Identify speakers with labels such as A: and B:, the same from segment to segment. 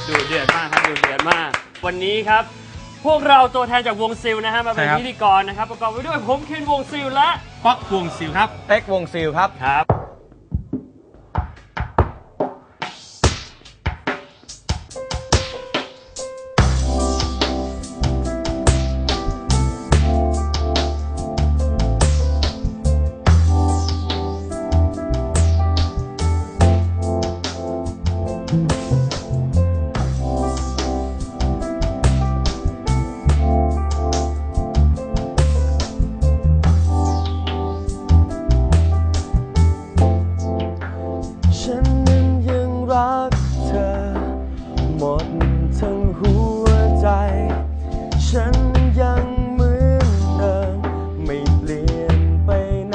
A: ดูเดือดมากครับดูเดือดมากวันนี้ครับพวกเราตัวแทนจากวงซิลนะฮะมาเป็นพิธีกรนะครับประกอบไปด้วยผมเคนวงซิลและ
B: ป๊อกวงซิลครับ
C: เอ็กวงซิลครับ
A: ครับ
D: หมดทั้งหัวใจฉันยังเหมือนเดิมไม่เปลี่ยนไปไหน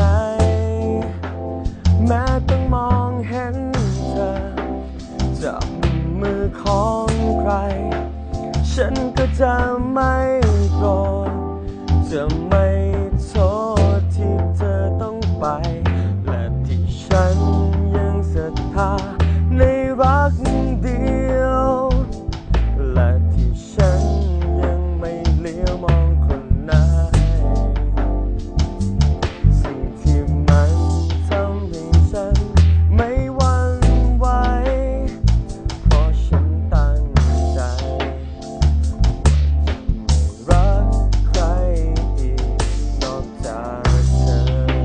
D: แม้ต้องมองเห็นเธอจับมือของใครฉันก็จะไม่โกรธจะไม่โทษที่เธอต้องไปและที่ฉันยังศรัทธาในรักเดียวและที่ฉันยังไม่เลี้ยวมองคนไหนสิ่งที่มันทำให้ฉันไม่หวั่นไหวเพราะฉันตั้งใจรักใครอีกนอกจากเธอ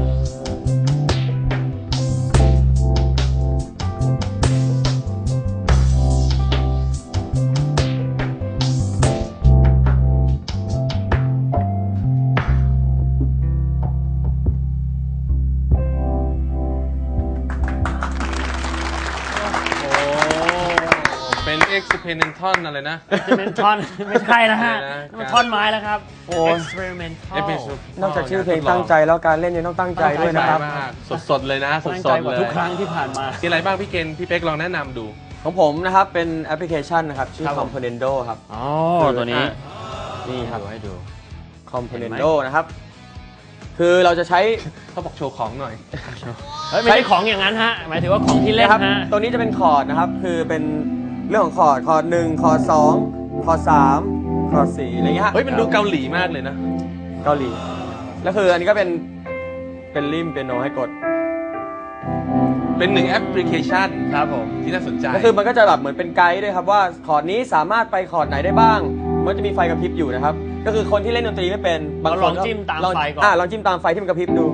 B: เป็น experimental อะไรนะ
A: experimental ไม่ใช่แล้วฮะมันท่อนไม้แล้วครับ experimental
C: นอกจากชื่อเพลงตั้งใจแล้วการเล่นยังต้องตั้งใจด้วยนะครับ
B: สดๆเลยนะสดๆเลย
A: ทุกครั้งที่ผ่านมา
B: มีอะไรบ้างพี่เกณฑ์พี่เป๊กลองแนะนำดู
C: ของผมนะครับเป็นแอปพลิเคชันนะครับชื่อ Componendo ครับ
A: อ๋อตัวนี้
C: นี่ครับ
A: ให้ดู
C: Componendo นะครับคือเราจะใช้
B: เขาบอกโชว์ของหน่อย
A: ไม่ใช่ของอย่างนั้นฮะหมายถึงว่าของที่เล่นฮะ
C: ตัวนี้จะเป็นคอร์ดนะครับคือเป็นเรื่องของคอร์ด1คอร์ด2คอร์ด3คอร์ด4อะไรเงี้ย
B: เฮ้ยมันดูเกาหลีมากเลยนะ
C: เกาหลีแล้วคืออันนี้ก็เป็นริมเปียโนให้กด
B: เป็น1แอปพลิเคชัน
A: ครับผม
B: ที่น่าสนใจ
C: ก็คือมันก็จะแบบเหมือนเป็นไกด์ด้วยครับว่าคอร์ดนี้สามารถไปคอร์ดไหนได้บ้างมันจะมีไฟกระพริบอยู่นะครับก็คือคนที่เล่นดนตรีไม่เป็น
A: บางคนลองจิ้มตามไฟก่อน
C: ลองจิ้มตามไฟที่มันกระพริบดู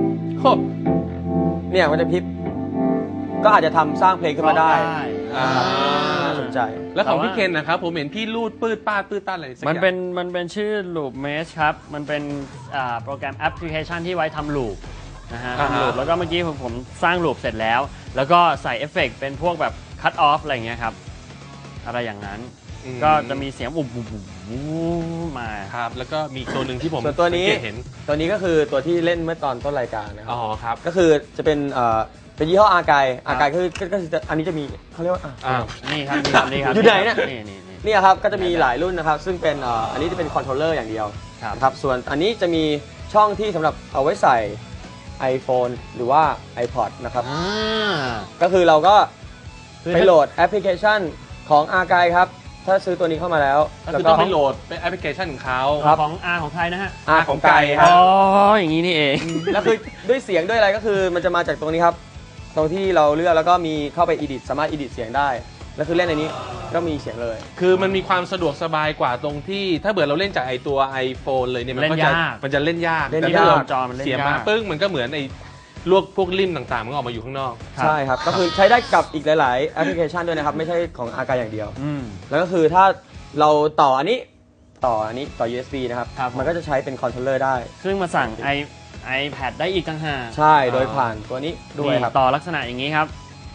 C: เนี่ยมันจะพริบก็อาจจะทำสร้างเพลงขึ้นมาได้น่าสนใจ
B: แล้วของพี่เคนนะครับผมเห็นพี่ลูดปื้ดป้าปื้ดต้านอะไรสักอย่าง
A: มันเป็นชื่อ Loop Mesh ครับมันเป็นโปรแกรมแอปพลิเคชันที่ไว้ทำลูปนะฮะทำลูปแล้วก็เมื่อกี้ผมสร้างลูปเสร็จแล้วแล้วก็ใส่เอฟเฟกต์เป็นพวกแบบ cut off อะไรอย่างเงี้ยครับอะไรอย่างนั้นก็จะมีเสียงอุบมา
B: ครับแล้วก็มีตัวหนึ่งที่ผม
C: ตัวนี้ก็คือตัวที่เล่นเมื่อตอนต้นรายการนะครับ
B: อ๋อครับ
C: ก็คือจะเป็นยี่ห้ออากายคืออันนี้จะมีเขาเรียกว่า
A: นี่ครับ
C: อยู่ไหนเนี่ยนี่ครับก็จะมีหลายรุ่นนะครับซึ่งเป็นอันนี้จะเป็นคอนโทรลเลอร์อย่างเดียวครับส่วนอันนี้จะมีช่องที่สำหรับเอาไว้ใส่ iPhone หรือว่า iPod นะครับก็คือเราก็ไปโหลดแอปพลิเคชันของอากายครับถ้าซื้อตัวนี้เข้ามาแล้ว
B: ก็ต้องไปโหลดเป็นแอปพลิเคชันของเขา
A: ของของใครนะฮะ
C: ของไก่ครับ
A: อ๋ออย่างนี้นี่เอง
C: แล้วคือด้วยเสียงด้วยอะไรก็คือมันจะมาจากตรงนี้ครับตรงที่เราเลือกแล้วก็มีเข้าไป edit สามารถ edit เสียงได้แล้วคือเล่นในนี้ก็มีเสียงเลย
B: คือมันมีความสะดวกสบายกว่าตรงที่ถ้าเบื่อเราเล่นจากไอตัว iPhone เลยเนี่ยมันจะเล่นยาก
A: แต่ถ้าเราจอมันเล่น
B: เสียมาปึ้งมันก็เหมือนไอพวกริมต่างๆมันออกมาอยู่ข้างนอก
C: ใช่ครับก็คือใช้ได้กับอีกหลายๆแอปพลิเคชันด้วยนะครับไม่ใช่ของอากาอย่างเดียวแล้วก็คือถ้าเราต่ออันนี้ต่อ USB นะครับมันก็จะใช้เป็นคอนโทรลเลอร์ได้
A: ซึ่งมาสั่งiPad ได้อีกต่างหาก
C: ใช่โดยผ่านตัวนี้ด้วยครับ
A: ต่อลักษณะอย่างนี้ครับ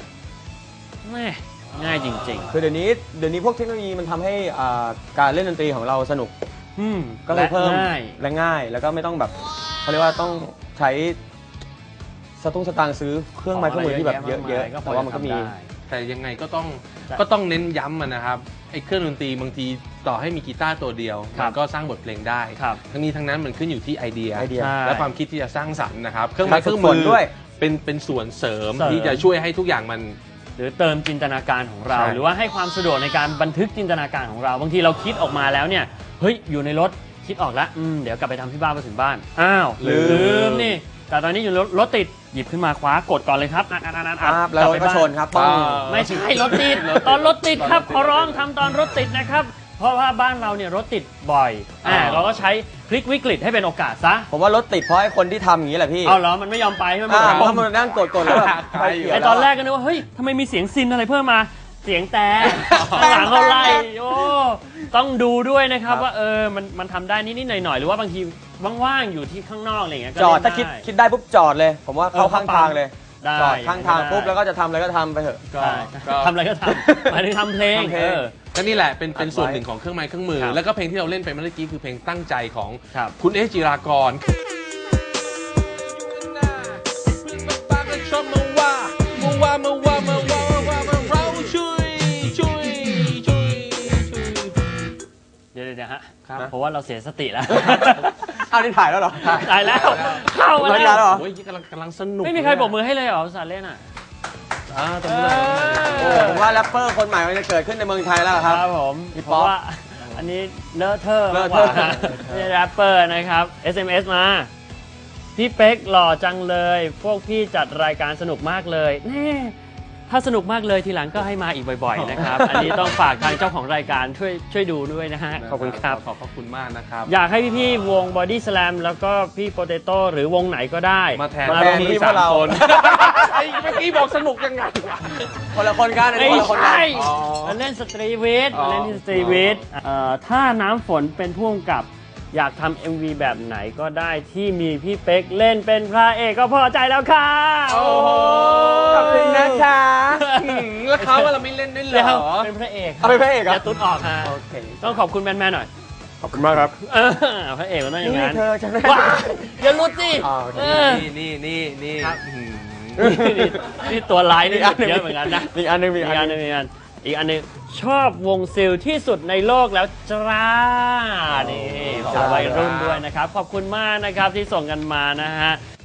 A: ง่ายจริงๆ
C: คือเดี๋ยวนี้พวกเทคโนโลยีมันทำให้การเล่นดนตรีของเราสนุกก็เลยเพิ่มและง่ายแล้วก็ไม่ต้องแบบเขาเรียกว่าต้องใช้สตางค์ซื้อเครื่องไม้เครื่องมือที่แบบเยอะๆแต่ว่ามันก็มี
B: แต่ยังไงก็ต้องเน้นย้ำนะครับไอ้เครื่องดนตรีบางทีต่อให้มีกีตาร์ตัวเดียวมันก็สร้างบทเพลงได้ทั้งนี้ทั้งนั้นมันขึ้นอยู่ที่ไอเดียและความคิดที่จะสร้างสรรค์นะครับเครื่องไม้เครื่องมือด้วยเป็นส่วนเสริมที่จะช่วยให้ทุกอย่างมัน
A: หรือเติมจินตนาการของเรา
B: ใช่
A: หรือว่าให้ความสะดวกในการบันทึกจินตนาการของเราบางทีเราคิดออกมาแล้วเนี่ยเฮ้ยอยู่ในรถคิดออกแล้วเดี๋ยวกลับไปทำที่บ้านพอถึงบ้านอ้าวลืมนี่แต่ตอนนี้อยู่รถติดหยิบขึ้นมาคว้ากดก่อนเลยครับ
C: แล้วรถก็ชนครับต้อง
A: ไม่ใช่รถติดตอนรถติดครับขอร้องทำตอนรถติดนะครับเพราะว่าบ้านเราเนี่ยรถติดบ่อยเราก็ใช้พลิกวิกฤตให้เป็นโอกาสซะ
C: ผมว่ารถติดเพราะไอ้คนที่ทำอย่างนี้แหละพี่
A: เอาเหรอมันไม่ยอมไปใช่ไหม
C: เพราะมันนั่งกดแล้วแบบ
A: ไอตอนแรกก็นึกว่าเฮ้ยทำไมมีเสียงซินอะไรเพิ่มมาเสียงแต่ข้างหลังเขาไล่โอ้ต้องดูด้วยนะครับว่ามันทำได้นิดๆหน่อยๆหรือว่าบางทีว่างๆอยู่ที่ข้างนอกอะไรอย่างเงี้ย
C: จอดถ้าคิดได้ปุ๊บจอดเลยผมว่าเข้าข้างทางเลยจอดข้างทางปุ๊บแล้วก็จะทำอะไรก็ทำไปเถอะ
A: ทำอะไรก็ทำหมายถึงทำเพลง
B: ก็นี่แหละเป็นส่วนหนึ่งของเครื่องไม้เครื่องมือแล้วก็เพลงที่เราเล่นไปเมื่อกี้คือเพลงตั้งใจของคุณเอจิรากร
A: เดี๋ยวฮะเพราะว่าเราเสียสติแล้ว
C: อ้าวนี่ถ่ายแล้วเหรอ
A: ถ่ายแล้วเข้ามาแล้ว
B: โอ้ยกำลังสนุก
A: ไม่มีใครปรบมือให้เลยเหรอภาษาเล่น
C: ตรงนี้ผมว่าแรปเปอร์คนใหม่มันจะเกิดขึ้นในเมืองไทยแล้วครับ
A: ผมเพราะว่าอันนี้เลอะเทอะมากกว่าไม่ใช่แรปเปอร์นะครับ SMS มาพี่เป๊กหล่อจังเลยพวกพี่จัดรายการสนุกมากเลยแน่ถ้าสนุกมากเลยทีหลังก็ให้มาอีกบ่อยๆนะครับอันนี้ต้องฝากทางเจ้าของรายการช่วยดูด้วยนะฮะขอบคุณครับ
B: ขอบคุณมากนะครับ
A: อยากให้พี่ๆวง Body Slam แล้วก็พี่โปเตโต้หรือวงไหนก็ได้
B: มาแทน
C: พี่พวกเรา
B: ไอ้เมื่อกี้บอกสนุกยังไง
C: คนละคนกัน
A: ไม่ใช่มันเล่นสตรีวิทมันเล่นที่สตรีวิทถ้าน้ำฝนเป็นผู้กำกับอยากทำ MV แบบไหนก็ได้ที่มีพี่เป๊กเล่นเป็นพระเอกก็พอใจแล้วค่ะ
B: โอ้โห
C: ขอบคุณนะคะ
B: แล้วเขาเราไม่เล่นด้วยเหรอ
A: เป็นพระเอก
C: เป็นพระเอก
A: อย่าตุ๊ดออกฮะต้องขอบคุณแมนๆหน่อย
C: ขอบคุณมากครับ
A: พระเอกมันต้องอย่างนั้น
C: เธอจะ
A: ว้าอย่าลุดสิ
B: นี่
A: นี่ตัวร้ายนี่เยอะเหมือนกันนะ
C: อีกอันนึง
A: ชอบวงซิลที่สุดในโลกแล้วจ้านี่ขอวัยรุ่นด้วยนะครับขอบคุณมากนะครับที่ส่งกันมานะฮะ